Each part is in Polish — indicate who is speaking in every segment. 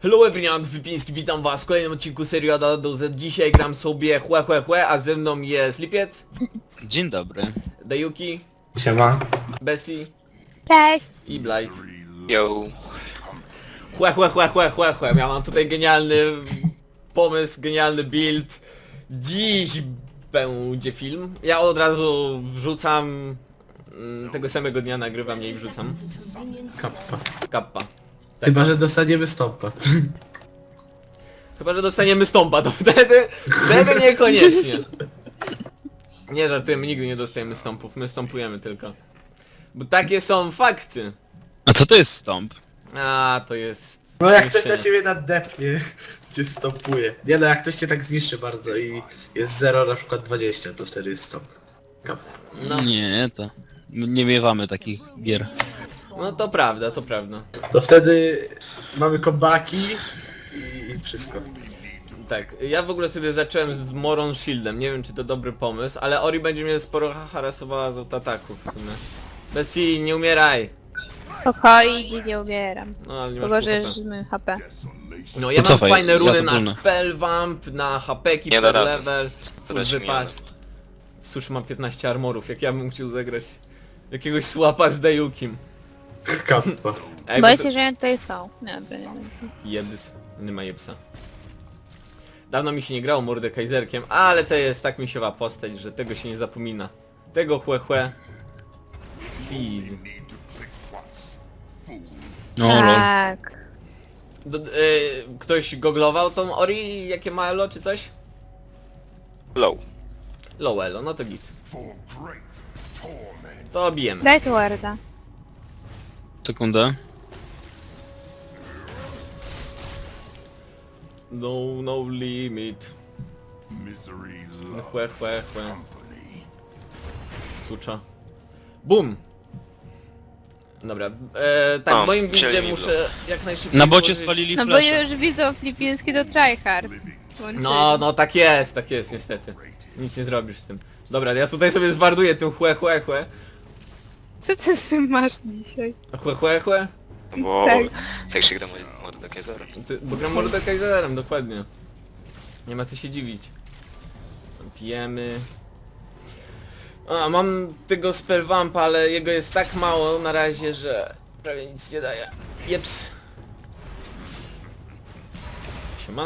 Speaker 1: Hello everyone, Filipiński, witam was w kolejnym odcinku serii od A do Z. Dzisiaj gram sobie chłe, a ze mną jest Lipiec,
Speaker 2: Dzień dobry.
Speaker 1: Dayuki,
Speaker 3: Siema.
Speaker 1: Bessie
Speaker 4: Cześć!
Speaker 1: i Blight.
Speaker 5: Yo.
Speaker 1: Chłe. Ja mam tutaj genialny pomysł, genialny build. Dziś będzie film. Ja od razu wrzucam, tego samego dnia nagrywam je i wrzucam.
Speaker 3: Kappa.
Speaker 1: Kappa.
Speaker 3: Chyba, że dostaniemy stopa.
Speaker 1: Chyba, że dostaniemy stąpa, to wtedy niekoniecznie. Nie żartujemy, nigdy nie dostajemy stąpów, my stąpujemy tylko. Bo takie są fakty.
Speaker 2: A co to jest stąp?
Speaker 1: A, to jest...
Speaker 3: No jak ktoś
Speaker 1: zniszczenie.
Speaker 3: na ciebie nadepnie, cię stopuje. Nie no, jak ktoś cię tak zniszczy bardzo i jest 0 na przykład 20, to wtedy jest stop. Kappa.
Speaker 1: No,
Speaker 2: Nie, to... Nie miewamy takich gier.
Speaker 1: no to prawda, to prawda.
Speaker 3: To wtedy mamy kombaki i wszystko.
Speaker 1: Tak, ja w ogóle sobie zacząłem z Moron Shieldem, nie wiem czy to dobry pomysł, ale Ori będzie mnie sporo harasowała z autoataków w sumie. Bessie, nie umieraj!
Speaker 4: Spokojnie, nie umieram.
Speaker 1: No ale nie masz
Speaker 4: Tylko, że
Speaker 1: pół HP.
Speaker 4: żymy HP.
Speaker 1: No ja mam
Speaker 2: Cofaj,
Speaker 1: fajne
Speaker 2: ja
Speaker 1: runy
Speaker 2: to
Speaker 1: na
Speaker 2: wolne.
Speaker 1: Spellvamp, na HP-ki
Speaker 5: Nie da
Speaker 1: per
Speaker 5: rady.
Speaker 1: level, full
Speaker 5: da się nie
Speaker 1: wypas. Cóż, mam 15 armorów, jak ja bym chciał zagrać jakiegoś słapa z Dayukim.
Speaker 3: Kappa.
Speaker 1: Ej,
Speaker 4: Boję
Speaker 1: bo
Speaker 4: się, że oni tutaj są. Nie, dobra, nie będzie.
Speaker 1: Jebs, nie ma jebsa. Dawno mi się nie grało Mordekaiserkiem, ale to jest tak misiowa postać, że tego się nie zapomina. Tego chłe. Please.
Speaker 2: No lol.
Speaker 4: Tak.
Speaker 1: Ktoś goglował tą Ori, jakie ma elo czy coś?
Speaker 5: Low.
Speaker 1: Low elo, no to git. To bijemy.
Speaker 4: Daj tu warda.
Speaker 2: Sekundę.
Speaker 1: No limit. Chłe. Sucza. Bum! Dobra, tak,
Speaker 5: O,
Speaker 1: w moim buildzie
Speaker 5: wzięli
Speaker 1: muszę jak najszybciej
Speaker 2: Na bocie
Speaker 1: złożyć-
Speaker 2: spalili
Speaker 4: No bo
Speaker 2: flasha.
Speaker 4: już widzą filipiński to tryhard. Włączyli.
Speaker 1: No tak jest niestety. Nic nie zrobisz z tym. Dobra, ja tutaj sobie zwarduję tym chłe.
Speaker 4: Co ty z tym masz dzisiaj?
Speaker 1: Chłe?
Speaker 5: Bo
Speaker 4: Tak.
Speaker 5: tak się gra Mordekaiser.
Speaker 1: Bo gram Mordekaiserem, dokładnie. Nie ma co się dziwić. Pijemy. A, mam tego spellvampa, ale jego jest tak mało na razie, że prawie nic nie daje. Jeps. Siema.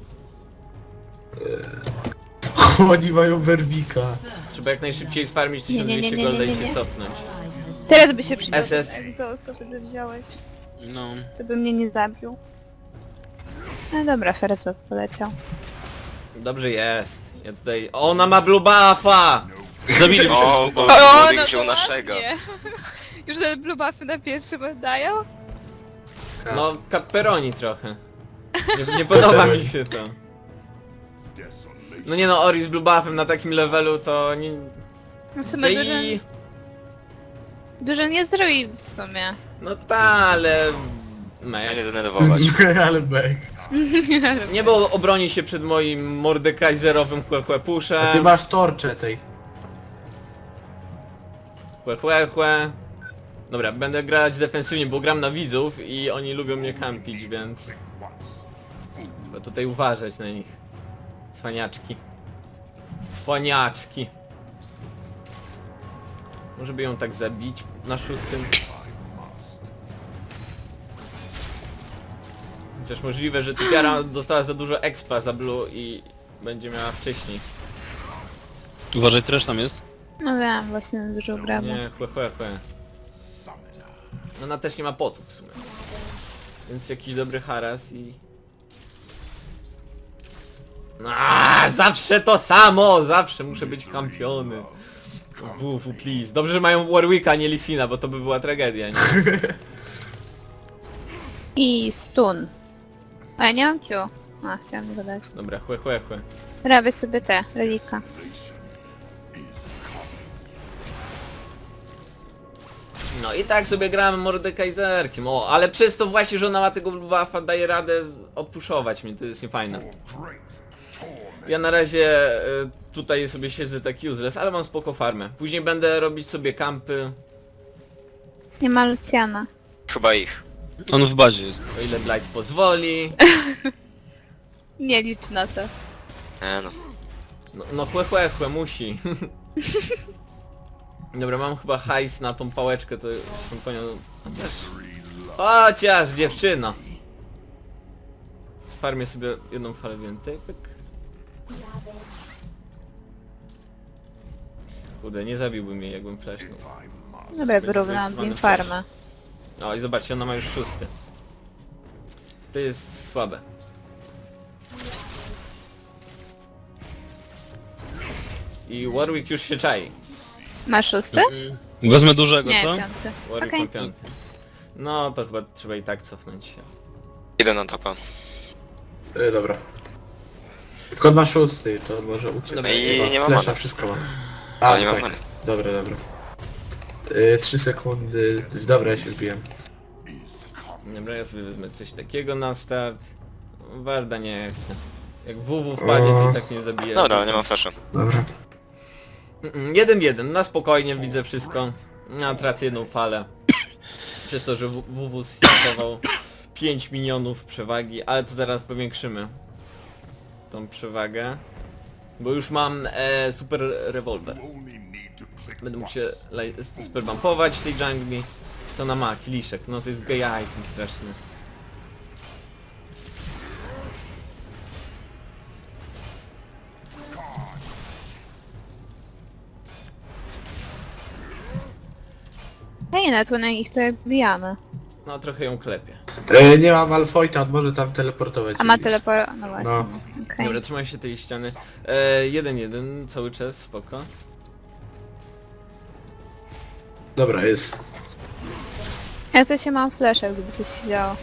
Speaker 3: Oni mają werwika.
Speaker 1: Trzeba jak najszybciej sfarmić
Speaker 4: Nie,
Speaker 1: 1200
Speaker 4: nie,
Speaker 1: golda i
Speaker 4: nie,
Speaker 1: się
Speaker 4: nie.
Speaker 1: cofnąć.
Speaker 4: Teraz by się przydał
Speaker 1: SS.
Speaker 4: ten egzost, co wtedy wziąłeś.
Speaker 2: No.
Speaker 4: To by mnie nie zabił. No dobra, Ferzot poleciał.
Speaker 1: Dobrze jest. Ja tutaj... Ona ma blue buffa!
Speaker 2: Zabili mnie.
Speaker 5: O, bo
Speaker 4: O,
Speaker 5: Mordek
Speaker 4: no
Speaker 5: wziął
Speaker 4: to
Speaker 5: naszego.
Speaker 4: ładnie. Już te blue buffy na pierwszym oddają?
Speaker 1: No, pepperoni trochę. Nie podoba mi się to. No nie no, Ori z blue buffem na takim levelu to nie...
Speaker 4: No w sumie
Speaker 1: I...
Speaker 4: dużo nie zrobi w sumie.
Speaker 1: No ta, ale...
Speaker 5: Ja
Speaker 1: Mech.
Speaker 5: nie denerwować.
Speaker 3: Ale bek.
Speaker 1: Nie, bo obroni się przed moim Mordekaiserowym chłe
Speaker 3: A ty
Speaker 1: puszem.
Speaker 3: masz torcze tej.
Speaker 1: Chłe. Dobra, będę grać defensywnie, bo gram na widzów i oni lubią mnie kampić, więc... Trzeba tutaj uważać na nich. Cwaniaczki. Może by ją tak zabić na 6. Chociaż możliwe, że typiara dostała za dużo expa za blue i będzie miała wcześniej.
Speaker 2: Uważaj, trash tam jest.
Speaker 4: No wiem, właśnie na dużo gramy.
Speaker 1: Nie, chłe. Ona też nie ma potów w sumie. Więc jakiś dobry haras i... Zawsze to samo! Zawsze muszę być kampiony. WW, please. Dobrze, że mają Warwicka, a nie Lissina, bo to by była tragedia, nie?
Speaker 4: I stun. A ja nie mam Q. A, chciałam go dać.
Speaker 1: Dobra, chłe.
Speaker 4: Robię sobie te, relika.
Speaker 1: No i tak sobie gramy Mordekaiserkiem. O, ale przez to właśnie, że ona ma tego buffa, daje radę odpuszować mnie, to jest niefajne. Ja na razie tutaj sobie siedzę tak useless, ale mam spoko farmę. Później będę robić sobie kampy.
Speaker 4: Nie ma Luciana.
Speaker 5: Chyba ich.
Speaker 2: On w bazie jest.
Speaker 1: O ile Blight pozwoli.
Speaker 4: Nie licz na to.
Speaker 5: No.
Speaker 1: No chłe, musi. Dobra, mam chyba hajs na tą pałeczkę, to już bym pojął... Chociaż dziewczyno! Sparmię sobie jedną falę więcej, pyk. Kurde, nie zabiłbym jej, jakbym flashnął.
Speaker 4: Dobra, wyrównałam z nim farmę.
Speaker 1: O i zobaczcie, ona ma już 6. To jest słabe. I Warwick już się czai.
Speaker 4: Masz 6?
Speaker 2: Wezmę dużego,
Speaker 4: Nie,
Speaker 2: co?
Speaker 4: 5.
Speaker 1: Warwick
Speaker 4: Okej.
Speaker 1: ma 5. No to chyba trzeba i tak cofnąć się.
Speaker 5: Idę na topa.
Speaker 3: Dobra. Tylko on ma 6, to może uciec.
Speaker 1: Dobra,
Speaker 5: i nie ma
Speaker 3: Flesza,
Speaker 5: many.
Speaker 3: wszystko ma.
Speaker 5: Ale nie mam
Speaker 3: tak.
Speaker 5: many.
Speaker 3: Dobra. 3 sekundy. Dobra, ja się wbiłem.
Speaker 1: Dobra, ja sobie wezmę coś takiego na start. Warda nie chce. Jak WW wpadnie, to i tak nie zabije.
Speaker 5: Dobra, nie mam flasha.
Speaker 3: Dobra.
Speaker 1: 1-1, na spokojnie widzę wszystko. Ja tracę jedną falę. Przez to, że WW stosował 5 minionów przewagi, ale to zaraz powiększymy tą przewagę. Bo już mam super rewolwer. Będę mógł się sperbumpować w tej dżungli. Co ona ma? Kieliszek. No to jest gay item straszny.
Speaker 4: Hej, na tu na ich tutaj wbijamy.
Speaker 1: No trochę ją klepie.
Speaker 3: Nie mam Malfoyta, on może tam teleportować.
Speaker 4: A ma teleport... No właśnie.
Speaker 3: No.
Speaker 4: Okej.
Speaker 1: Dobra, trzymaj się tej ściany. 1-1 cały czas, spoko.
Speaker 3: Dobra, jest.
Speaker 4: Ja coś się mam flasha, gdyby coś się działo.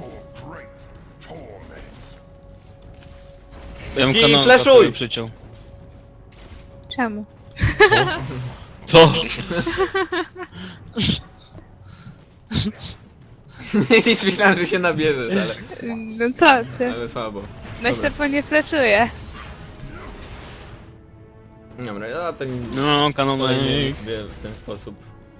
Speaker 2: Ja bym
Speaker 1: Ci
Speaker 2: kanonka
Speaker 1: flashuj!
Speaker 2: sobie przyciął.
Speaker 4: Czemu?
Speaker 2: To!
Speaker 1: Nic myślałem, że się nabierzesz,
Speaker 4: No co ty?
Speaker 1: ale słabo.
Speaker 4: Myślę, po nie flashuje.
Speaker 1: Dobra, ja ten
Speaker 2: No,
Speaker 1: kolejny
Speaker 2: kanonek.
Speaker 1: sobie w ten sposób.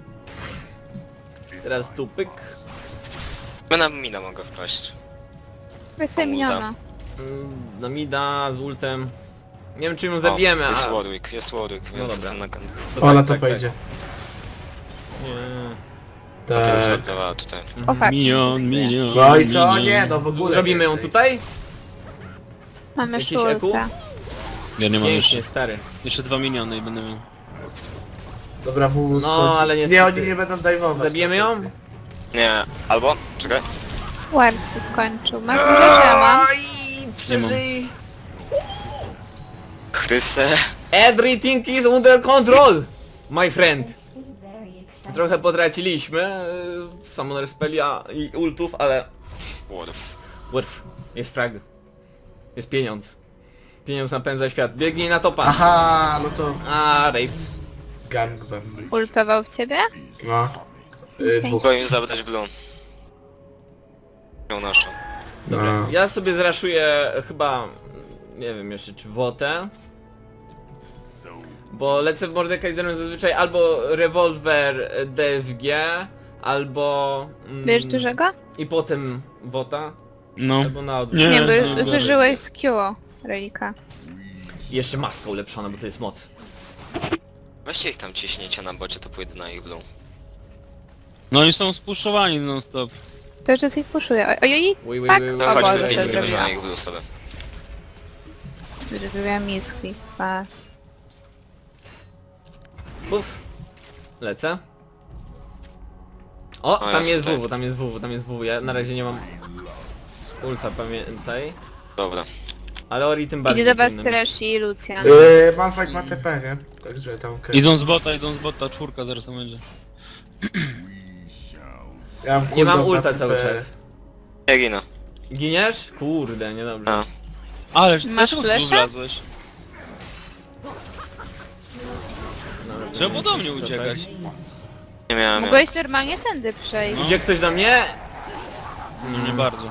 Speaker 1: Teraz tu pyk.
Speaker 5: My na mina mogę wpaść.
Speaker 4: Weź sobie miniona.
Speaker 1: Na mida z ultem. Nie wiem czy ją zabijemy,
Speaker 5: O, jest
Speaker 1: a...
Speaker 5: Warwick, więc
Speaker 1: dobra.
Speaker 5: jestem na kan.
Speaker 3: Ona
Speaker 1: tak,
Speaker 3: to pojedzie.
Speaker 1: Nie.
Speaker 5: To jest
Speaker 3: Tak.
Speaker 5: wadlała tutaj.
Speaker 4: O fuck.
Speaker 2: Minion.
Speaker 3: No i co?
Speaker 2: minion.
Speaker 3: Nie, no w ogóle.
Speaker 1: Zrobimy ją
Speaker 3: więcej.
Speaker 1: tutaj?
Speaker 4: Mamy
Speaker 1: Jakiś
Speaker 4: szulta.
Speaker 1: eku?
Speaker 2: Ja nie mam
Speaker 1: Pięknie,
Speaker 2: jeszcze.
Speaker 1: stary.
Speaker 2: Jeszcze 2 miniony i będę miał.
Speaker 3: Dobra, WW
Speaker 1: No,
Speaker 3: schodzi.
Speaker 1: ale
Speaker 3: Nie,
Speaker 1: niestety.
Speaker 3: oni nie będą dajwować.
Speaker 1: Zabijemy ją?
Speaker 5: Nie, albo, czekaj.
Speaker 4: Ward się skończył. Masz dużo, że ja mam.
Speaker 1: Aj, przeżyj.
Speaker 5: Chryste.
Speaker 1: Everything is under control, my friend. Trochę potraciliśmy Summoner Spellia i ultów, ale...
Speaker 5: Worf.
Speaker 1: Worf, jest frag. Jest pieniądz. Pieniądz napędza świat. Biegnij na topa.
Speaker 3: Aha, no to
Speaker 1: A, rape.
Speaker 3: gangbang.
Speaker 4: Ultował w ciebie?
Speaker 3: No. Dwóch.
Speaker 5: Mogę im zabrać blue. Ją naszą.
Speaker 1: Dobra,
Speaker 3: No.
Speaker 1: ja sobie zraszuję chyba... Nie wiem jeszcze czy Wotę. Bo lecę w Mordekaiserem zazwyczaj albo rewolwer DFG, albo...
Speaker 4: Bierzesz dużego?
Speaker 1: I potem Wota,
Speaker 2: No.
Speaker 1: albo na odwrót.
Speaker 2: Nie,
Speaker 4: Nie,
Speaker 2: no,
Speaker 4: bo zużyłeś z Q relika.
Speaker 1: I jeszcze maska ulepszona, bo to jest moc.
Speaker 5: Weźcie ich tam ciśnijcie na bocie, to pójdę na ich blue.
Speaker 2: No oni są spuszczowani non stop.
Speaker 4: To jeszcze coś puszuje. Ojej,
Speaker 1: Ui,
Speaker 4: tak?
Speaker 5: No
Speaker 4: O
Speaker 5: chodź,
Speaker 4: Boże,
Speaker 5: do
Speaker 4: to
Speaker 5: pięć będzie
Speaker 4: zrobiłam.
Speaker 5: na ich blue sobie.
Speaker 4: Zrobiłam miski.
Speaker 1: Buf. Lecę. O,
Speaker 5: O,
Speaker 1: tam
Speaker 5: jest
Speaker 1: jest
Speaker 5: tutaj.
Speaker 1: WW, tam jest WW, tam jest WW. Ja na razie nie mam ulta, pamiętaj.
Speaker 5: Dobra.
Speaker 1: Ale Ori tym bardziej.
Speaker 4: Idzie do was
Speaker 1: powinno być.
Speaker 4: Trash i Lucian.
Speaker 3: Malfight ma TP, nie? Także tam okej.
Speaker 2: Idą z bota, czwórka zaraz tam będzie.
Speaker 3: Ja mam
Speaker 1: Nie mam
Speaker 3: cooldown na
Speaker 1: ulta
Speaker 3: TP.
Speaker 1: cały czas.
Speaker 5: Ja ginę.
Speaker 1: Giniesz? Kurde, niedobrze.
Speaker 5: A.
Speaker 2: Ale
Speaker 4: Masz
Speaker 2: dlaczego tu
Speaker 4: flasha?
Speaker 2: wlazłeś?
Speaker 1: Dobra,
Speaker 2: Trzeba było do mnie uciekać.
Speaker 5: Nie miałem.
Speaker 4: Mogłeś normalnie tędy przejść.
Speaker 1: Idzie ktoś do mnie?
Speaker 2: No nie bardzo.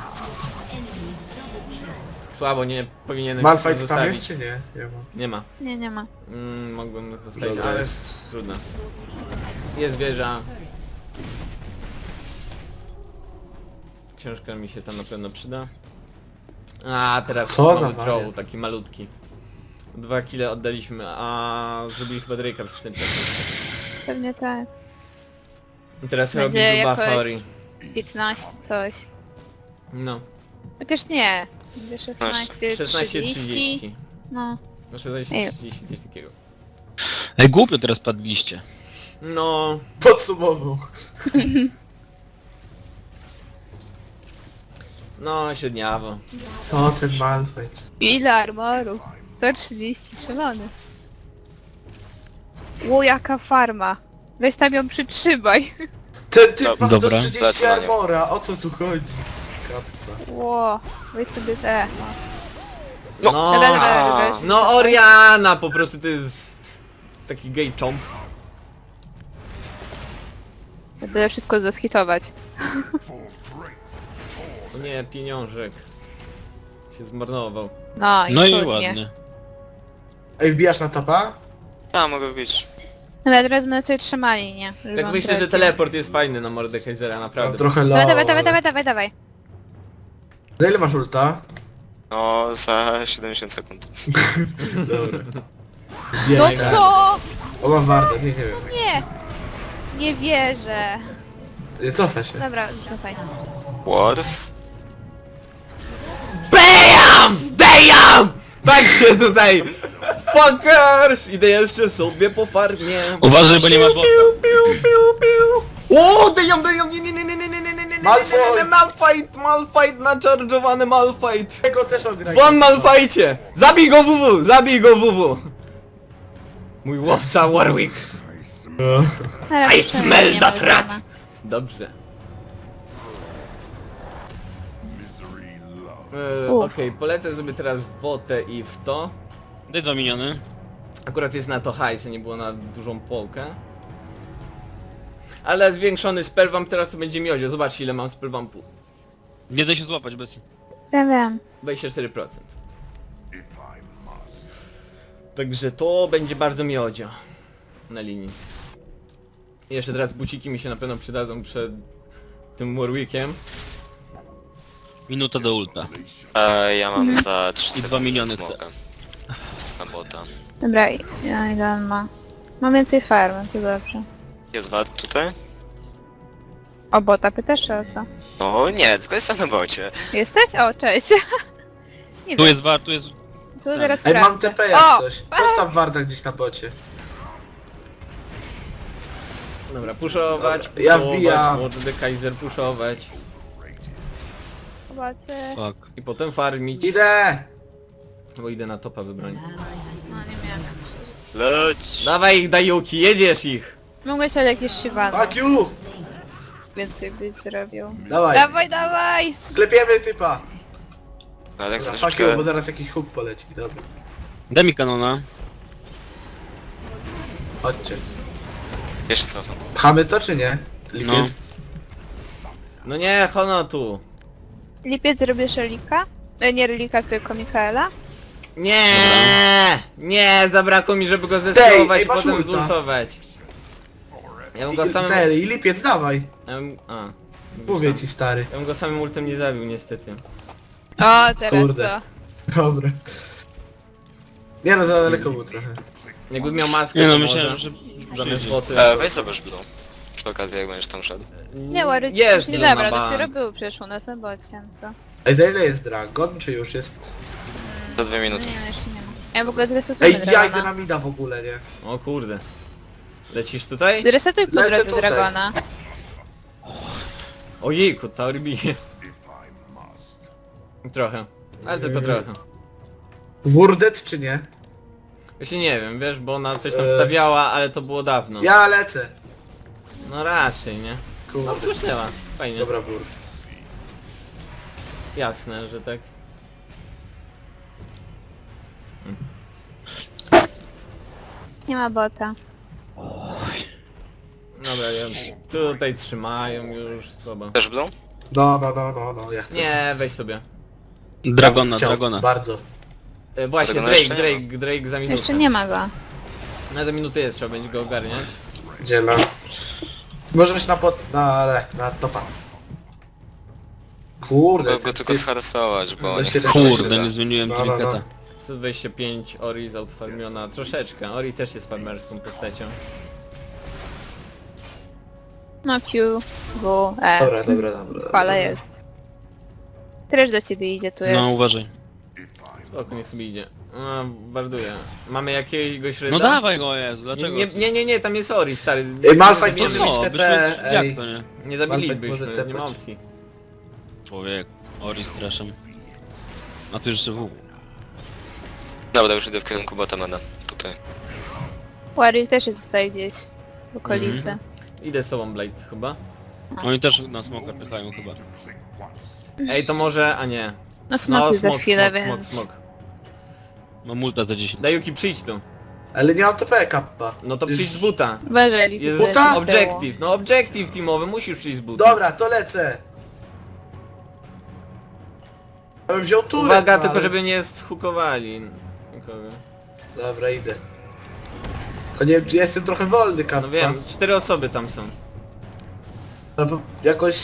Speaker 1: Słabo, nie powinienem
Speaker 3: Malfight tam
Speaker 1: zostawić.
Speaker 3: jest czy nie? Nie ma.
Speaker 1: Nie ma.
Speaker 4: Nie, nie ma.
Speaker 1: Mogłem zostawić,
Speaker 3: Dobra,
Speaker 1: ale
Speaker 3: jest.
Speaker 1: trudno. Jest wieża. książka mi się tam na pewno przyda. A teraz
Speaker 3: Co za
Speaker 1: mamy troll,
Speaker 3: wariat.
Speaker 1: taki malutki. 2 kile oddaliśmy, a zrobili chyba Drake'a przez ten czas.
Speaker 4: Pewnie tak.
Speaker 1: I teraz
Speaker 4: Będzie
Speaker 1: robi
Speaker 4: jakoś
Speaker 1: Fury.
Speaker 4: 15 coś.
Speaker 1: No,
Speaker 4: Chociaż nie. Będzie 16, 30.
Speaker 1: 16:30.
Speaker 4: No.
Speaker 1: No 16:30, coś takiego.
Speaker 2: Ej, głupio teraz padliście.
Speaker 1: No,
Speaker 3: Podsumował.
Speaker 1: no średniawo.
Speaker 3: Co ten Malphite?
Speaker 4: Ile armorów? 130, szalony. Ło, jaka farma. Weź tam ją przytrzymaj.
Speaker 3: Ten typ ma
Speaker 2: Dobra.
Speaker 3: 130
Speaker 5: Lecę na nią.
Speaker 3: armora, o co tu chodzi? Kappa.
Speaker 4: Ło, weź sobie z E.
Speaker 1: No,
Speaker 4: Dobra, dobra, dobra.
Speaker 1: no Oriana po prostu to jest taki gay chomp.
Speaker 4: Ja będę wszystko zaskitować.
Speaker 1: O nie, pieniążek. Się zmarnował.
Speaker 4: No i
Speaker 2: No i
Speaker 4: cudnie.
Speaker 2: ładnie.
Speaker 3: Ej, wbijasz na topa?
Speaker 5: A, mogę być.
Speaker 4: Dobra, teraz będę sobie trzymali, nie? Żeby
Speaker 1: Tak
Speaker 4: on
Speaker 1: myślę, że
Speaker 4: tracił.
Speaker 1: teleport jest fajny na Mordekaisera,
Speaker 3: Tam
Speaker 1: naprawdę.
Speaker 3: trochę low.
Speaker 4: Dawaj, dawaj, dawaj,
Speaker 3: ale-
Speaker 4: dawaj, dawaj, dawaj.
Speaker 3: Za ile masz ulta?
Speaker 5: No, za 70 sekund.
Speaker 3: Dobra.
Speaker 4: No
Speaker 3: Biegaj.
Speaker 4: co?
Speaker 3: O, mam wardę, nie wiem.
Speaker 4: Nie! Nie wierzę.
Speaker 3: Nie, cofa się.
Speaker 4: Dobra, cofaj.
Speaker 5: What?
Speaker 1: BAM! BAM! Tak się tutaj! Fuckers! Idę jeszcze sobie po farmie.
Speaker 2: Uważaj, bo nie ma bota.
Speaker 1: Piu, piu, piu. O, dejam, nie,
Speaker 3: Malfoy!
Speaker 1: Malfight, naczarżowany Malfight.
Speaker 3: Tego też ograj.
Speaker 1: Won Malfajcie! Zabij go WW, zabij go WW. Mój łowca Warwick.
Speaker 4: Teraz
Speaker 1: I
Speaker 4: już
Speaker 1: smell
Speaker 4: nie
Speaker 1: that
Speaker 4: ma
Speaker 1: rat!
Speaker 4: drama.
Speaker 1: Dobrze.
Speaker 4: Uf.
Speaker 1: Okej, polecę sobie teraz w botę i w to.
Speaker 2: Daj 2 miniony.
Speaker 1: Akurat jest na to hajs, a nie było na dużą połkę. Ale zwiększony spellvamp teraz to będzie miodzio. Zobaczcie ile mam spellvampu.
Speaker 2: Nie da się złapać bez.
Speaker 4: Wiem.
Speaker 1: 24%. Także to będzie bardzo miodzio. Na linii. I jeszcze teraz buciki mi się na pewno przydadzą przed tym Warwickiem.
Speaker 2: Minuta do ulta.
Speaker 5: Ja mam za 3
Speaker 2: I
Speaker 5: sekundy
Speaker 2: 2 miliony chcę.
Speaker 5: smoka. Na bota.
Speaker 4: Dobra, ile on ma? Mam więcej farm, to dobrze.
Speaker 5: Jest wad tutaj?
Speaker 4: O bota pytasz czy o co?
Speaker 5: No nie, tylko jestem na bocie.
Speaker 4: Jesteś? O, cześć. Nie
Speaker 2: Tu
Speaker 4: wiem,
Speaker 2: jest war, tu jest...
Speaker 4: co teraz
Speaker 3: Ej, mam
Speaker 4: sprawdzę.
Speaker 3: TP jak
Speaker 4: O!
Speaker 3: coś. Postaw warda gdzieś na bocie.
Speaker 1: Dobra, puszować,
Speaker 3: Dobra, ja
Speaker 1: puszować,
Speaker 3: wbijam.
Speaker 1: Mordekaiser puszować.
Speaker 4: Zobaczę.
Speaker 2: Fuck.
Speaker 1: I potem farmić.
Speaker 3: Idę!
Speaker 1: Bo idę na topa wybronić.
Speaker 4: No nie miałem.
Speaker 5: Leć!
Speaker 1: Dawaj ich Dajuki, jedziesz ich!
Speaker 4: Mogłeś ale jakieś siwany
Speaker 3: Fuck you!
Speaker 4: więcej być zrobił.
Speaker 3: Dawaj,
Speaker 4: Dawaj, dawaj!
Speaker 3: klepiemy typa!
Speaker 5: No tak za
Speaker 3: Dobra, fuck you,
Speaker 5: troszeczkę...
Speaker 3: bo zaraz jakiś hook poleci. Dobra,
Speaker 2: Daj mi kanona.
Speaker 3: chodźcie.
Speaker 5: Wiesz co?
Speaker 3: Pchamy to czy nie? Lipiec?
Speaker 1: No nie, Hono tu.
Speaker 4: Lipiec zrobisz relika? Nie relika, tylko Mikaela?
Speaker 1: Nie, nie, zabrakło mi, żeby go zesłować
Speaker 3: ej,
Speaker 1: i
Speaker 3: masz
Speaker 1: potem
Speaker 3: ulta.
Speaker 1: zultować. Ja bym go samym...
Speaker 3: I lipiec, dawaj! Mówię ci, stary.
Speaker 1: Ja bym go samym ultem nie zabił niestety.
Speaker 4: O, teraz
Speaker 3: Kurde.
Speaker 4: co?
Speaker 3: Dobra. Nie no, za daleko był trochę.
Speaker 1: Jakby miał maskę,
Speaker 2: Nie no,
Speaker 1: to
Speaker 2: myślałem,
Speaker 1: może
Speaker 2: że...
Speaker 1: zamiast
Speaker 2: przyjdzie.
Speaker 1: boty.
Speaker 5: Weź zobacz blue. Przy okazji jak będziesz tam szedł.
Speaker 4: Nie, Łary ci
Speaker 1: Jest
Speaker 4: już nie
Speaker 1: Blue na
Speaker 4: zabrał,
Speaker 1: bank.
Speaker 4: dopiero był przecież u nas na bocie, to...
Speaker 3: Ej, za ile jest dragon, czy już jest?
Speaker 5: Za 2
Speaker 4: No
Speaker 5: minuty.
Speaker 4: nie, jeszcze nie ma. Ja w ogóle zresetuję
Speaker 3: Ej, ja idę
Speaker 4: Dragona.
Speaker 3: na mida w ogóle, nie?
Speaker 1: O kurde. Lecisz tutaj?
Speaker 4: Zresetuj po
Speaker 3: Lecę
Speaker 4: drodze
Speaker 3: tutaj.
Speaker 4: Dragona.
Speaker 1: Ojejku, Tauri bije. Trochę, ale tylko trochę.
Speaker 3: Wurdet czy nie?
Speaker 1: Właśnie nie wiem, wiesz, bo ona coś tam stawiała, ale to było dawno.
Speaker 3: Ja lecę.
Speaker 1: No raczej, nie? No
Speaker 3: Kurde.
Speaker 1: przeszła, fajnie.
Speaker 3: Dobra, wór.
Speaker 1: Jasne, że tak.
Speaker 4: Nie ma bota.
Speaker 1: Dobra, ja... tutaj trzymają już, słabo.
Speaker 5: Też blue?
Speaker 3: No, ja chcę.
Speaker 1: Nie, weź sobie.
Speaker 2: Dragona,
Speaker 3: Chciał,
Speaker 2: dragona.
Speaker 3: Bardzo.
Speaker 1: Właśnie,
Speaker 5: Tego
Speaker 1: Drake,
Speaker 5: jeszcze nie ma.
Speaker 1: Drake za minutę.
Speaker 4: Jeszcze nie ma go.
Speaker 1: Na za minutę jest, trzeba będzie go ogarniać.
Speaker 3: Gdzie na... Możesz na pot... na topa. Kurde,
Speaker 5: Mogę go tylko zharasować, bo
Speaker 3: to
Speaker 5: nie
Speaker 3: się
Speaker 5: chcę
Speaker 3: da-
Speaker 2: Kurde, nie zmieniłem
Speaker 3: No, no, no.
Speaker 2: triketa.
Speaker 1: 125 Ori zoutfarmiona troszeczkę. Ori też jest farmerską postacią.
Speaker 4: No Q, W, E.
Speaker 3: Dobra, dobra, dobra.
Speaker 4: Chwala jest. Też do ciebie idzie, tu jest.
Speaker 2: No uważaj.
Speaker 1: Spoko, niech sobie idzie. A, barduje. Mamy jakiegoś ryda?
Speaker 2: No dawaj go, Jezu, dlaczego?
Speaker 1: Nie, tam jest Ori, stary.
Speaker 3: Malphite
Speaker 1: Nie
Speaker 3: może
Speaker 1: zabijemy-
Speaker 3: mieć
Speaker 2: No,
Speaker 3: TP,
Speaker 2: byśmy...
Speaker 3: ej.
Speaker 2: Jak to nie?
Speaker 1: Nie
Speaker 3: Malphite
Speaker 1: zabilibyśmy,
Speaker 3: może
Speaker 1: nie ma
Speaker 3: tepać.
Speaker 1: opcji.
Speaker 2: Człowiek, Ori straszem. A tu jeszcze W.
Speaker 5: Dobra, już idę w kierunku Batamana. Tutaj.
Speaker 4: Warwick też jest tutaj gdzieś w okolicy.
Speaker 1: Idę z tobą, Blade, chyba.
Speaker 2: Oni też na smoka pychają chyba.
Speaker 1: Ej, to może... a nie.
Speaker 4: No smok za chwilę,
Speaker 1: smok,
Speaker 4: więc...
Speaker 1: smok.
Speaker 2: Mam multa za 10.
Speaker 1: Dayuki, przyjdź tu.
Speaker 3: Ale nie mam TP kappa.
Speaker 1: No to
Speaker 3: Już-
Speaker 1: przyjdź z buta.
Speaker 4: Uważaj,
Speaker 1: Jest
Speaker 4: Lipu,
Speaker 3: Buta?
Speaker 4: z tyłu.
Speaker 1: objective, no objective teamowy, musisz przyjść z buta.
Speaker 3: Dobra, to lecę. Ja bym wziął turę.
Speaker 1: Uwaga,
Speaker 3: no,
Speaker 1: tylko
Speaker 3: ale-
Speaker 1: żeby nie schukowali nikogo.
Speaker 3: Dobra, idę. To nie wiem, czy jestem trochę wolny kappa.
Speaker 1: No wiem, 4 osoby tam są.
Speaker 3: No bo jakoś...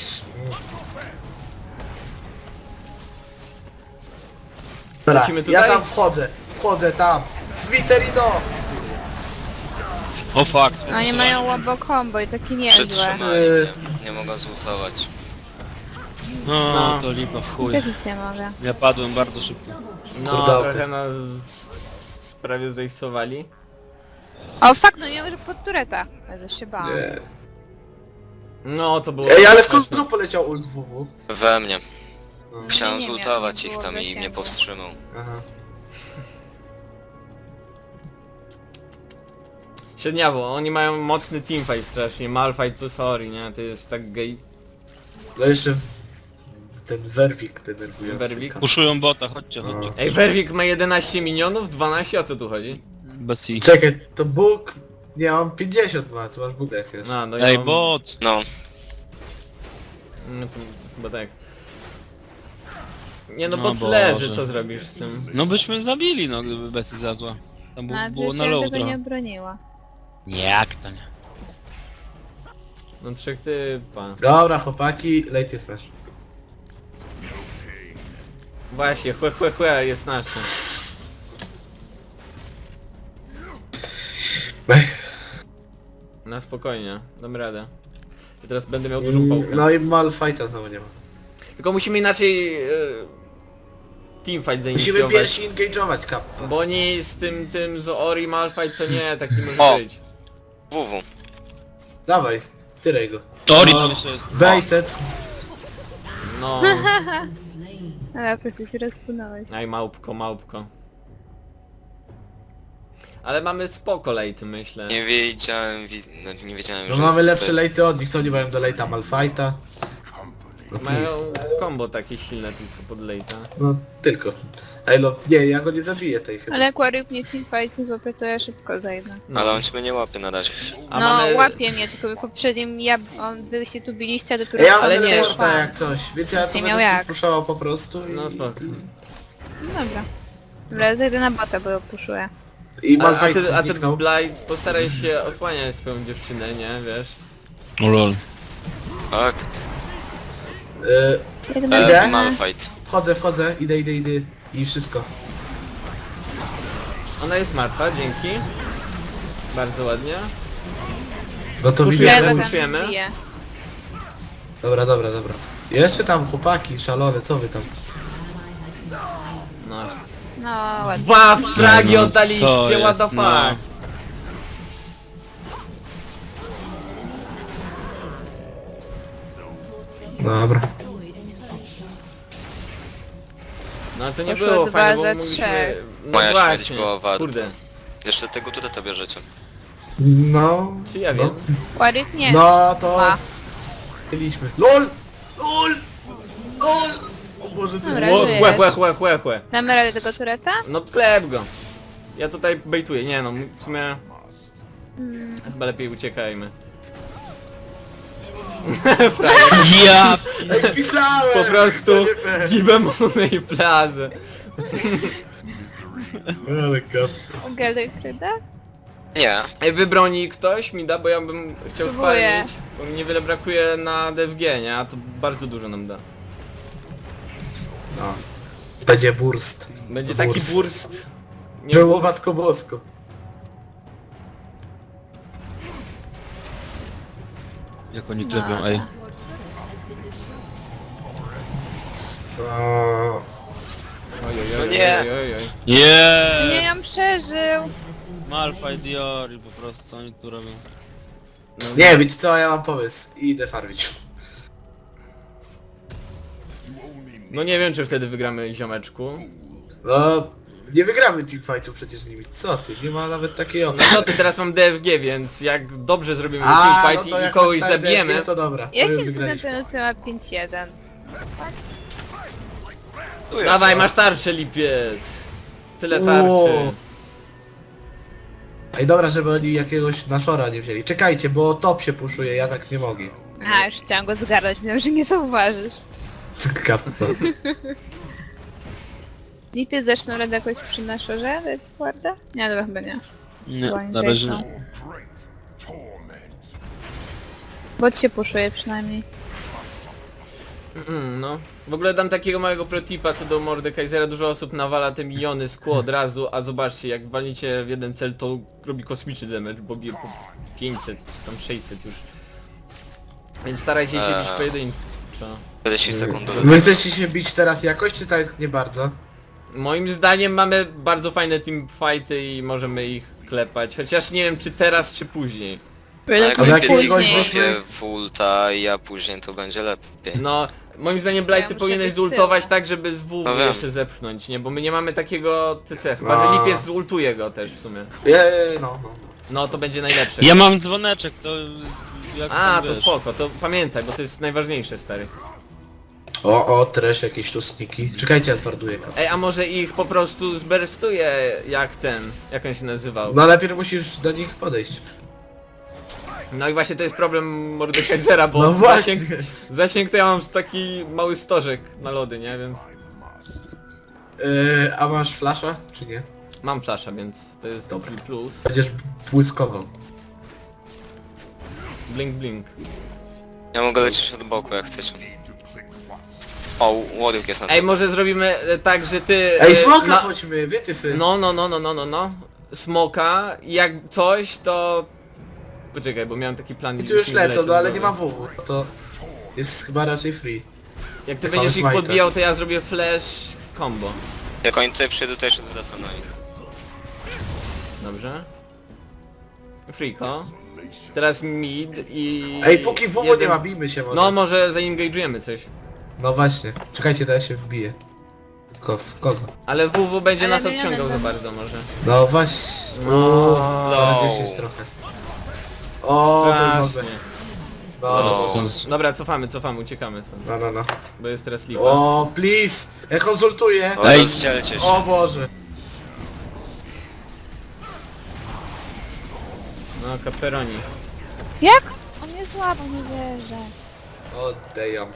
Speaker 3: Dobra,
Speaker 1: Lecimy
Speaker 3: ja
Speaker 1: tutaj?
Speaker 3: tam wchodzę tam. Smiterino!
Speaker 2: O fuck,
Speaker 4: Oni mają łabo combo i takie niezłe.
Speaker 5: Przytrzymali mnie. Nie mogę zultować.
Speaker 2: No, to lipa w chuj.
Speaker 4: Też nic nie mogę.
Speaker 2: Ja padłem bardzo szybko.
Speaker 1: No,
Speaker 3: Kurde.
Speaker 1: trochę nas prawie zejsowali.
Speaker 4: O fuck, no nie może pod tureta. Jezu, się bałam.
Speaker 3: Nie.
Speaker 1: No, to było...
Speaker 3: Ej, ale w
Speaker 1: straszne.
Speaker 3: kogo poleciał ult WW?
Speaker 5: We mnie.
Speaker 3: No.
Speaker 5: Chciałem
Speaker 4: nie
Speaker 5: zultować
Speaker 4: miałem,
Speaker 5: ich tam
Speaker 4: było
Speaker 5: i mnie
Speaker 4: zasięgu.
Speaker 5: powstrzymał.
Speaker 3: Aha.
Speaker 1: Średniawo, oni mają mocny teamfight strasznie, Malphite plus Ori, nie? To jest tak gej...
Speaker 3: No jeszcze ten Werwik denerwujący.
Speaker 1: Werwik?
Speaker 3: kappa.
Speaker 2: Puszują bota, chodźcie, chodźcie.
Speaker 1: Ej, Werwik ma 11 minionów, 12, o co tu chodzi?
Speaker 2: Bez i.
Speaker 3: Czekaj, to Bóg... Nie, on 50 ma, tu masz Bóg wiesz.
Speaker 1: No
Speaker 2: Ej,
Speaker 1: ja mam-
Speaker 2: bot!
Speaker 5: No,
Speaker 1: No to chyba tak. Nie no,
Speaker 2: No
Speaker 1: bot
Speaker 2: Boże.
Speaker 1: leży, co zrobisz z tym?
Speaker 2: No byśmy zabili, no gdyby Bessie zjadła. Tam
Speaker 4: No, ale
Speaker 2: było
Speaker 4: przecież
Speaker 2: na
Speaker 4: ja
Speaker 2: low
Speaker 4: tego nie
Speaker 2: trochę.
Speaker 4: obroniła.
Speaker 2: Jak to nie?
Speaker 1: No 3 typa.
Speaker 3: Dobra, chłopaki, late jest nasz.
Speaker 1: Właśnie, chłe jest nasze.
Speaker 3: Ech.
Speaker 1: Na spokojnie, dam radę. I teraz będę miał dużą pałkę.
Speaker 3: No i Malfighta znowu nie ma.
Speaker 1: Tylko musimy inaczej... teamfight
Speaker 3: Musimy
Speaker 1: zainicjować.
Speaker 3: pierwsi engage'ować kappa.
Speaker 1: Bo oni z tym z Ori Malphite to nie, tak nie może
Speaker 5: O!
Speaker 1: być.
Speaker 5: WW.
Speaker 3: Dawaj, tyraj go.
Speaker 2: Tori
Speaker 3: No.
Speaker 2: tam jeszcze jest.
Speaker 3: Baited.
Speaker 1: No,
Speaker 4: Ale po prostu się rozpłynąłeś.
Speaker 1: aj małpko. Ale mamy spoko late, myślę.
Speaker 5: Nie wiedziałem, no, nie wiedziałem,
Speaker 3: No
Speaker 5: że
Speaker 3: mamy
Speaker 5: jest
Speaker 3: lepsze
Speaker 5: tutaj.
Speaker 3: late'y od nich, co nie mają do late'a Malfighta. No,
Speaker 1: Mają
Speaker 3: please.
Speaker 1: combo takie silne tylko pod late'a.
Speaker 3: No tylko. Ej no, nie, ja go nie zabiję tej chyba.
Speaker 4: Ale jak Warwick mnie teamfight nie złapie, to ja szybko zajdę.
Speaker 1: No.
Speaker 5: Ale on ciebie nie łapie na razie.
Speaker 1: A
Speaker 4: No,
Speaker 1: mamy...
Speaker 4: łapie mnie, tylko w poprzednim wy się tu biliście, a dopiero...
Speaker 3: Ej, ja mam
Speaker 1: Ale
Speaker 3: ale
Speaker 1: nie,
Speaker 3: nie
Speaker 1: szła.
Speaker 3: jak coś, więc ja to
Speaker 4: Nie miał
Speaker 3: będę
Speaker 4: jak.
Speaker 3: puszczała po prostu i...
Speaker 1: No spoko.
Speaker 4: No dobra. Dobra, zajdę na bota, bo ją puszuję.
Speaker 3: I
Speaker 1: A
Speaker 3: Malfight
Speaker 1: ty
Speaker 3: zniknął.
Speaker 1: Blight, postaraj się osłaniać swoją dziewczynę, nie? Wiesz?
Speaker 2: O lol.
Speaker 5: Tak.
Speaker 4: Jedna
Speaker 3: Idę?
Speaker 5: Malfight.
Speaker 3: Wchodzę, idę i wszystko.
Speaker 1: Ona jest martwa, dzięki. Bardzo ładnie.
Speaker 3: No to
Speaker 1: Puszujemy,
Speaker 3: widzę.
Speaker 4: go tam
Speaker 1: puszujemy.
Speaker 4: bije.
Speaker 3: Dobra. Jeszcze tam chłopaki szalone, co wy tam?
Speaker 1: No.
Speaker 4: No ładnie.
Speaker 1: 2 fragi
Speaker 2: No, co
Speaker 1: oddaliście, what the
Speaker 2: jest,
Speaker 1: fuck?
Speaker 2: no.
Speaker 3: Dobra.
Speaker 1: No to nie
Speaker 4: Poszło
Speaker 1: było
Speaker 4: 2
Speaker 1: fajne, bo
Speaker 4: za
Speaker 1: mogliśmy...
Speaker 4: 3.
Speaker 1: No
Speaker 5: Moja śmierć
Speaker 1: właśnie,
Speaker 5: była warta.
Speaker 1: kurde.
Speaker 5: Jeszcze tego tutaj to bierzecie.
Speaker 3: No.
Speaker 1: Czy ja wiem?
Speaker 4: Warwick nie.
Speaker 3: No to...
Speaker 4: Ma.
Speaker 3: Byliśmy. LOL! O Boże, co
Speaker 4: Dobra,
Speaker 3: jest?
Speaker 4: żyjesz.
Speaker 1: Chłe.
Speaker 4: Damy radę tego tureta?
Speaker 1: No klep go. Ja tutaj bejtuję, nie no, w sumie... Chyba lepiej uciekajmy.
Speaker 2: Ja!
Speaker 3: Ej, pisałem!
Speaker 1: Po prostu
Speaker 3: To nie fair.
Speaker 1: gibemony i plazę.
Speaker 3: Ale kap.
Speaker 4: Gerdek Kryda?
Speaker 5: Nie.
Speaker 1: Ej, wybroni ktoś mi da, bo ja bym chciał
Speaker 4: Próbuję.
Speaker 1: spalić. Bo mi niewiele brakuje na DFG, nie? A to bardzo dużo nam da.
Speaker 3: No. Będzie burst.
Speaker 1: Będzie taki burst. Nie
Speaker 3: Było
Speaker 1: burst.
Speaker 3: Matko Bosko.
Speaker 2: Jak oni klepią, ej.
Speaker 3: O,
Speaker 1: Oj, oj,
Speaker 5: No
Speaker 1: oj,
Speaker 5: nie.
Speaker 1: oj, oj, oj.
Speaker 4: Nie,
Speaker 2: Yeah!
Speaker 4: ją przeżył.
Speaker 2: Malphite Diori po prostu, co oni tu robią?
Speaker 1: No,
Speaker 3: nie, wiecie co, ja mam pomysł. Idę farmić.
Speaker 1: no nie wiem, czy wtedy wygramy, ziomeczku.
Speaker 3: No, nie wygramy teamfightu przecież z nimi. Co ty, nie ma nawet takiej
Speaker 1: No
Speaker 3: opcji.
Speaker 1: co ty, teraz mam DFG, więc jak dobrze zrobimy
Speaker 3: A,
Speaker 1: teamfight
Speaker 3: no to
Speaker 1: i
Speaker 3: jak
Speaker 1: kogoś
Speaker 3: masz stary
Speaker 1: zabijemy,
Speaker 3: DFG, to dobra. to
Speaker 4: Jakim
Speaker 3: już
Speaker 4: cudem
Speaker 3: wygraliśmy.
Speaker 4: ten Lucy ma 5-1?
Speaker 1: dawaj, masz tarczę, lipiec. Tyle
Speaker 3: O.
Speaker 1: tarczy.
Speaker 3: Ej, dobra, żeby oni jakiegoś naszora nie wzięli. Czekajcie, bo top się puszuje, ja tak nie mogę.
Speaker 4: A, już chciałam go zgarnąć, myślałam, że nie zauważysz.
Speaker 3: Kapko.
Speaker 4: Lipiec zaczną radę jakoś przy naszorze dać warda? Nie, dobra, chyba nie.
Speaker 2: Nie,
Speaker 4: Bo oni
Speaker 2: na
Speaker 4: tutaj
Speaker 2: razie
Speaker 4: są.
Speaker 2: nie.
Speaker 4: Bot się puszuje przynajmniej.
Speaker 1: No. W ogóle dam takiego małego protipa co do Mordekaisera. Dużo osób nawala te miniony z kół od razu, a zobaczcie, jak walniecie w jeden cel, to robi kosmiczny damage, bo bije po 500 czy tam 600 już. Więc starajcie się bić pojedynczo.
Speaker 5: 40 sekund do
Speaker 3: Wy chcecie się bić teraz jakoś, czy tak nie bardzo?
Speaker 1: Moim zdaniem mamy bardzo fajne teamfighty i możemy ich klepać. Chociaż nie wiem, czy teraz, czy później.
Speaker 5: A jak
Speaker 3: Ale
Speaker 5: Lipiec ich
Speaker 3: jakiegoś
Speaker 5: złapie
Speaker 3: weźmy-
Speaker 5: w ulta i ja później, to będzie lepiej.
Speaker 1: No, moim zdaniem Blight,
Speaker 4: Ja
Speaker 1: ty
Speaker 4: muszę
Speaker 1: powinieneś
Speaker 4: być z
Speaker 1: zultować
Speaker 4: tyłu.
Speaker 1: tak, żeby z W
Speaker 5: No wiem.
Speaker 1: jeszcze zepchnąć, nie? Bo my nie mamy takiego CC. Chyba,
Speaker 3: A.
Speaker 1: że Lipiec zultuje go też w sumie.
Speaker 3: No.
Speaker 1: No, to będzie najlepsze.
Speaker 2: Ja mam dzwoneczek, to... Jak
Speaker 1: A,
Speaker 2: tam,
Speaker 1: to
Speaker 2: wiesz.
Speaker 1: spoko, to pamiętaj, bo to jest najważniejsze, stary.
Speaker 3: O, trash jakieś tu sniki. Czekajcie, ja zwarduję.
Speaker 1: Ej, a może ich po prostu zberstuje jak ten, jak on się nazywał.
Speaker 3: No najpierw musisz do nich podejść.
Speaker 1: No i właśnie to jest problem Mordekaisera, bo
Speaker 3: No właśnie.
Speaker 1: zasięg to ja mam taki mały stożek na lody, nie? Więc
Speaker 3: A masz flasha, czy nie?
Speaker 1: mam flasha, więc to jest
Speaker 3: Dobra.
Speaker 1: taki plus.
Speaker 3: Będziesz błyskował.
Speaker 1: Blink, blink.
Speaker 5: Ja mogę lecieć od boku, jak chcecie. O, Warwick jest na
Speaker 1: Ej,
Speaker 5: to.
Speaker 1: może zrobimy tak, że ty...
Speaker 3: Ej, smoka
Speaker 1: na-
Speaker 3: chodźmy, wytyfy.
Speaker 1: No. Smoka, jak coś to... Poczekaj, bo miałem taki plan...
Speaker 3: I tu już
Speaker 1: mi
Speaker 3: lecą,
Speaker 1: wyleciał
Speaker 3: no ale
Speaker 1: z
Speaker 3: nie
Speaker 1: głowy.
Speaker 3: ma WW. To jest chyba raczej free.
Speaker 1: Jak ty
Speaker 3: Mamy
Speaker 1: będziesz ich
Speaker 3: smite'a.
Speaker 1: podbijał, to ja zrobię flash combo.
Speaker 5: Jak oni tutaj przyjdą, to jeszcze wracam na nich.
Speaker 1: Dobrze? Freako. Teraz mid i...
Speaker 3: Ej, póki WW
Speaker 1: jeden-
Speaker 3: nie ma, bijmy się może.
Speaker 1: No może zaengage'ujemy coś.
Speaker 3: No właśnie. Czekajcie, to ja się wbiję. Tylko w kogo?
Speaker 1: Ale WW będzie
Speaker 4: Ale
Speaker 1: nas
Speaker 4: miliony
Speaker 1: odciągał za
Speaker 4: tam.
Speaker 1: bardzo może.
Speaker 3: No właśnie.
Speaker 1: No.
Speaker 3: Na 10 trochę. O, to już mogę.
Speaker 1: Strasznie.
Speaker 3: No,
Speaker 1: Dobra, cofamy, uciekamy stąd.
Speaker 3: no.
Speaker 1: Bo jest teraz lipa.
Speaker 3: O, please! Ja konsultuję!
Speaker 5: O,
Speaker 2: Ej.
Speaker 5: rozdzielcie się.
Speaker 3: O Boże!
Speaker 1: No, Caperoni.
Speaker 4: Jak? On mnie złapał, nie wierzę.
Speaker 3: O, damn.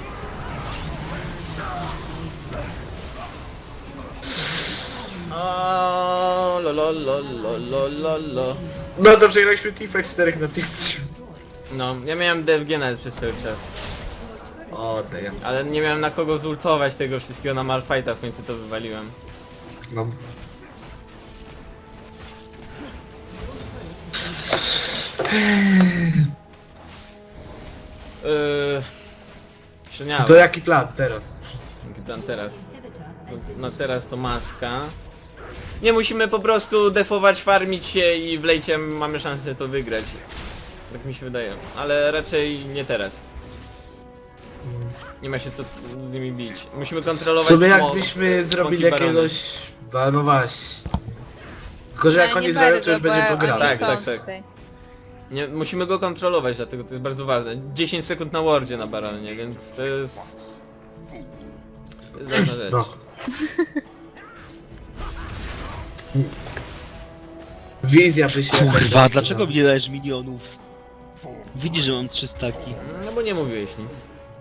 Speaker 1: O, lo.
Speaker 3: No to przegraliśmy Tifa 4 na 5.
Speaker 1: No, ja miałem DFG nawet przez cały czas.
Speaker 3: O, damn.
Speaker 1: Ale nie miałem na kogo zultować tego wszystkiego na Malphite'a, w końcu to wywaliłem.
Speaker 3: No.
Speaker 1: Śniało.
Speaker 3: To jaki plan teraz?
Speaker 1: Jaki plan teraz? No teraz to maska. Nie, musimy po prostu defować, farmić się i w lejcie mamy szansę to wygrać. Tak mi się wydaje. Ale raczej nie teraz. Nie ma się co z nimi bić. Musimy
Speaker 3: W
Speaker 1: kontrolować
Speaker 3: sumie
Speaker 1: smok-
Speaker 3: jakbyśmy zrobili
Speaker 1: smoki barony.
Speaker 3: jakiegoś... No właśnie. Tylko, że jak
Speaker 4: Ale
Speaker 3: oni
Speaker 4: nie
Speaker 3: zrobią,
Speaker 4: bardzo,
Speaker 3: to już
Speaker 4: bo
Speaker 3: będzie
Speaker 4: oni
Speaker 3: pograne.
Speaker 1: Tak,
Speaker 4: są
Speaker 1: tak.
Speaker 4: tutaj.
Speaker 1: Nie, musimy go kontrolować, dlatego to jest bardzo ważne. 10 sekund na wardzie na baronie, więc to jest... To jest ważna rzecz.
Speaker 3: No. Wizja by się...
Speaker 2: Kurwa, dlaczego mi nie dajesz milionów? Widzisz, że mam 3 staki.
Speaker 1: No bo nie mówiłeś nic.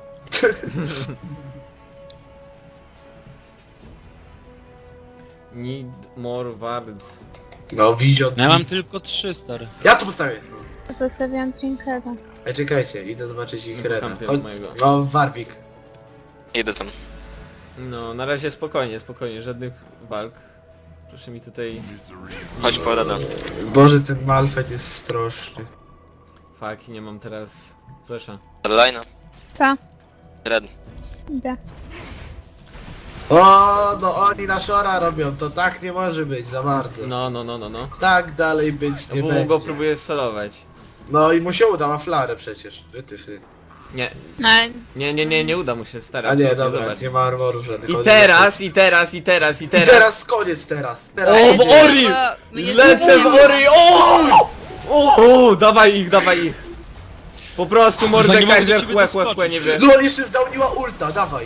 Speaker 1: Need more wards.
Speaker 3: No, Wizio...
Speaker 2: Ja mam tylko 3, stary.
Speaker 3: Ja tu postawię.
Speaker 4: To postawiłam trinketa.
Speaker 3: Ej, czekajcie, idę zobaczyć ich
Speaker 1: No,
Speaker 3: reda.
Speaker 1: kampion
Speaker 3: Chodź-
Speaker 1: mojego.
Speaker 3: No, Warwick.
Speaker 5: Idę tam.
Speaker 1: No, na razie spokojnie, spokojnie, żadnych walk. Proszę mi tutaj...
Speaker 5: Chodź po Reda.
Speaker 3: Boże, ten Malphite jest straszny.
Speaker 1: Fuck, nie mam teraz... Flesza.
Speaker 5: Redline'a.
Speaker 4: Co?
Speaker 5: Red.
Speaker 4: Idę.
Speaker 3: O, no oni na Shora robią, to tak nie może być za bardzo.
Speaker 1: No.
Speaker 3: Tak dalej być nie
Speaker 1: WW
Speaker 3: będzie.
Speaker 1: go próbuje solować.
Speaker 3: No i mu się uda, ma flarę przecież. Wytyfy.
Speaker 1: Nie,
Speaker 4: No,
Speaker 1: nie uda mu się starać.
Speaker 3: A nie,
Speaker 1: Chodźcie,
Speaker 3: dobra,
Speaker 1: zobacz.
Speaker 3: nie ma armorów żadnych.
Speaker 1: I
Speaker 3: Chodź,
Speaker 1: teraz.
Speaker 3: I teraz koniec teraz. Teraz.
Speaker 1: O, w
Speaker 4: Ale
Speaker 1: Ori!
Speaker 4: tylko mnie
Speaker 1: Lecę w
Speaker 4: zgubiłem.
Speaker 1: Ori! O, dawaj ich. Po prostu
Speaker 2: nie mogę do
Speaker 1: Mordekaiser
Speaker 2: ciebie
Speaker 1: chłe,
Speaker 2: doskoczyć.
Speaker 1: nie wie.
Speaker 3: No on jeszcze zdałniła ulta, dawaj.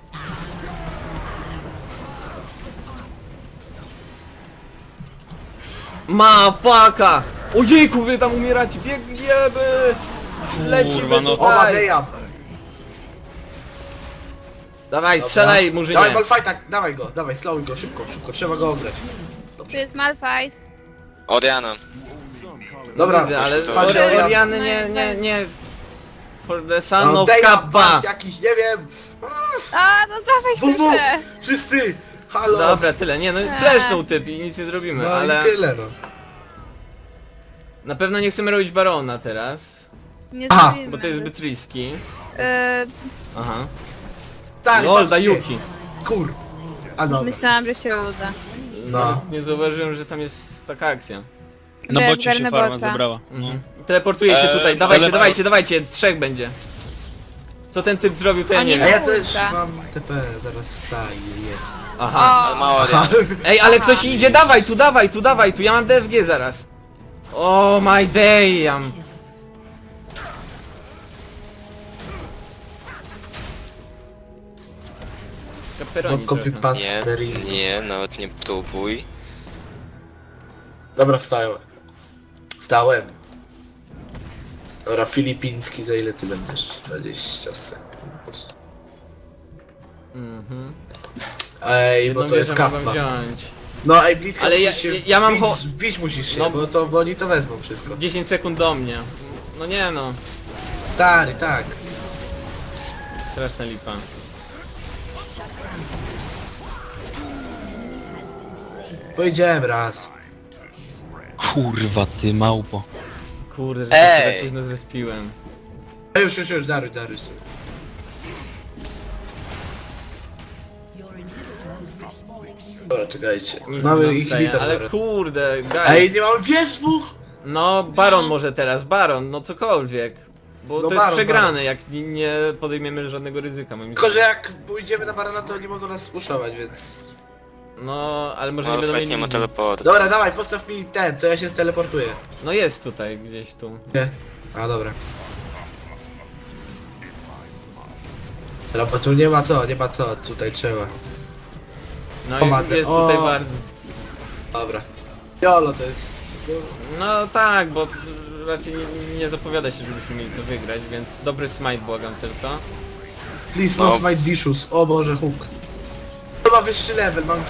Speaker 1: Ma faka! Ojejku, wy tam umieracie, biegniemy! Lecimy
Speaker 2: Kurwa, no.
Speaker 3: O,
Speaker 1: tutaj!
Speaker 3: Mageja.
Speaker 1: Dawaj, strzelaj,
Speaker 3: Dawaj
Speaker 1: murzynie!
Speaker 3: Malphite'a, dawaj go, dawaj, slowuj go, szybko, trzeba go ograć.
Speaker 4: Tu jest Malphite.
Speaker 5: Oriana.
Speaker 3: Dobra,
Speaker 1: Widzę, ale
Speaker 5: to-
Speaker 3: patrz, Oriana.
Speaker 1: Oriany nie... For the son
Speaker 3: No,
Speaker 1: of
Speaker 3: Deja,
Speaker 1: Kappa!
Speaker 3: jakiś, nie wiem.
Speaker 4: A, no dawaj
Speaker 3: WW,
Speaker 4: chcę.
Speaker 3: wszyscy, halo.
Speaker 1: Dobra, tyle, nie no, flashnął typ i nic nie zrobimy,
Speaker 3: No
Speaker 1: ale...
Speaker 3: i tyle no.
Speaker 1: Na pewno nie chcemy robić Barona teraz,
Speaker 4: Nie
Speaker 3: Aha,
Speaker 4: zrobimy
Speaker 1: bo to jest
Speaker 4: nawet.
Speaker 1: zbyt risky. Aha.
Speaker 3: Tak,
Speaker 1: LOL,
Speaker 3: patrzcie.
Speaker 1: Dayuki.
Speaker 3: Kur. A dobra.
Speaker 4: Myślałam, że się uda.
Speaker 3: No.
Speaker 1: Nawet nie zauważyłem, że tam jest taka akcja.
Speaker 2: Na
Speaker 4: Bez
Speaker 2: bocie się
Speaker 4: garnę
Speaker 2: farma
Speaker 4: bota.
Speaker 2: zabrała. No.
Speaker 1: Teleportuje się tutaj,
Speaker 2: ale-
Speaker 1: dawajcie, 3 będzie. Co ten typ zrobił, to ja
Speaker 4: Oni
Speaker 1: nie
Speaker 3: A
Speaker 1: wiem.
Speaker 3: ja
Speaker 4: Ulta.
Speaker 3: też mam TP, zaraz wstaję.
Speaker 1: Aha.
Speaker 5: Ale ma Oriana.
Speaker 1: Ej, ale ktoś idzie, dawaj tu, ja mam DFG zaraz. Oh my damn.
Speaker 3: No
Speaker 1: Pepperoni
Speaker 3: copy
Speaker 1: trochę.
Speaker 3: paste.
Speaker 5: Nie, nawet nie próbuj.
Speaker 3: Dobra, wstałem. Wstałem. Dobra, filipiński, za ile ty będziesz? 20 sekund.
Speaker 1: Mhm.
Speaker 3: Ej,
Speaker 1: Jedną
Speaker 3: bo to jest
Speaker 1: wieżę mogłem
Speaker 3: kappa.
Speaker 1: wziąć.
Speaker 3: No ej, Blitz,
Speaker 1: Ale ja-
Speaker 3: musisz się
Speaker 1: ja mam
Speaker 3: wbić musisz się,
Speaker 1: No.
Speaker 3: bo oni to wezmą wszystko.
Speaker 1: 10 sekund do mnie. No nie no,
Speaker 3: Stary, tak.
Speaker 1: straszna lipa.
Speaker 3: Powiedziałem raz.
Speaker 2: Kurwa ty małpo.
Speaker 1: Kurde, że się
Speaker 5: Ej!
Speaker 1: tak późno zrespiłem.
Speaker 3: A już, daruj sobie. Dobra, czekajcie.
Speaker 1: Nic
Speaker 3: Mamy
Speaker 1: nie
Speaker 3: ich
Speaker 1: dostaję,
Speaker 3: hita
Speaker 1: ale
Speaker 3: zaraz.
Speaker 1: kurde,
Speaker 3: Ej,
Speaker 1: guys.
Speaker 3: nie mamy wież dwóch!
Speaker 1: No, Baron może teraz, Baron, no cokolwiek. Bo
Speaker 3: No
Speaker 1: to jest
Speaker 3: Baron,
Speaker 1: przegrane,
Speaker 3: Baron.
Speaker 1: jak nie podejmiemy żadnego ryzyka, moim
Speaker 3: Tylko, że
Speaker 1: zdaniem.
Speaker 3: jak pójdziemy na barana, to nie mogą nas spuszować, więc...
Speaker 1: No, ale może nie
Speaker 5: Ale
Speaker 1: będą
Speaker 5: fakt
Speaker 1: mieli
Speaker 5: nie ma
Speaker 1: wizji.
Speaker 5: teleportu.
Speaker 3: Dobra, dawaj, postaw mi ten, to ja się steleportuję.
Speaker 1: No jest tutaj, gdzieś tu.
Speaker 3: Nie? A, dobra. Dobra, bo tu nie ma co, tutaj trzeba.
Speaker 1: No
Speaker 3: O, matko,
Speaker 1: jest
Speaker 3: o.
Speaker 1: tutaj bardzo...
Speaker 3: Dobra. Jolo to jest...
Speaker 1: No tak, bo raczej nie zapowiada się, żebyśmy mieli to wygrać, więc dobry smite błagam tylko.
Speaker 3: Please
Speaker 5: No.
Speaker 3: not my vicious. O Boże, hook. To ma wyższy level, mam...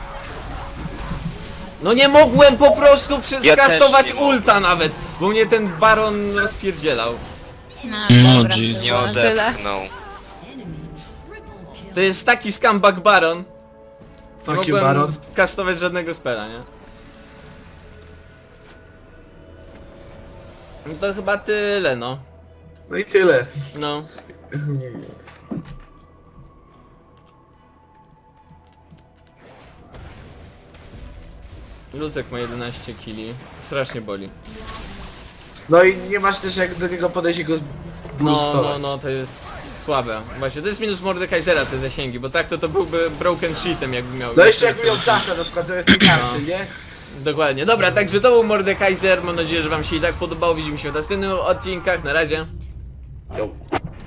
Speaker 1: No nie mogłem po prostu skastować
Speaker 5: też nie
Speaker 1: ulta nawet, bo mnie ten Baron rozpierdzielał.
Speaker 4: No,
Speaker 2: No,
Speaker 4: dobra,
Speaker 2: Jeez.
Speaker 4: to
Speaker 5: Nie
Speaker 4: było tyle.
Speaker 5: odepchnął.
Speaker 1: To jest taki scumbag Baron. Nie
Speaker 3: Fuck you,
Speaker 1: mogłem
Speaker 3: Baron.
Speaker 1: kastować żadnego spela, nie? No to chyba tyle, no.
Speaker 3: No i tyle.
Speaker 1: No. Lucek ma 11 kili. Strasznie boli.
Speaker 3: No i nie masz też jak do niego podejść i go boostować.
Speaker 1: No, to jest słabe. Właśnie, to jest minus Mordekaisera te zasięgi, bo tak to byłby broken sheetem jakby miał.
Speaker 3: No jeszcze jak miał Dasha na przykład zamiast tej tarczy, nie?
Speaker 1: Dokładnie. Dobra, także to był Mordekaiser. Mam nadzieję, że wam się i tak podobało. Widzimy się w następnych odcinkach. Na razie.
Speaker 3: Jo.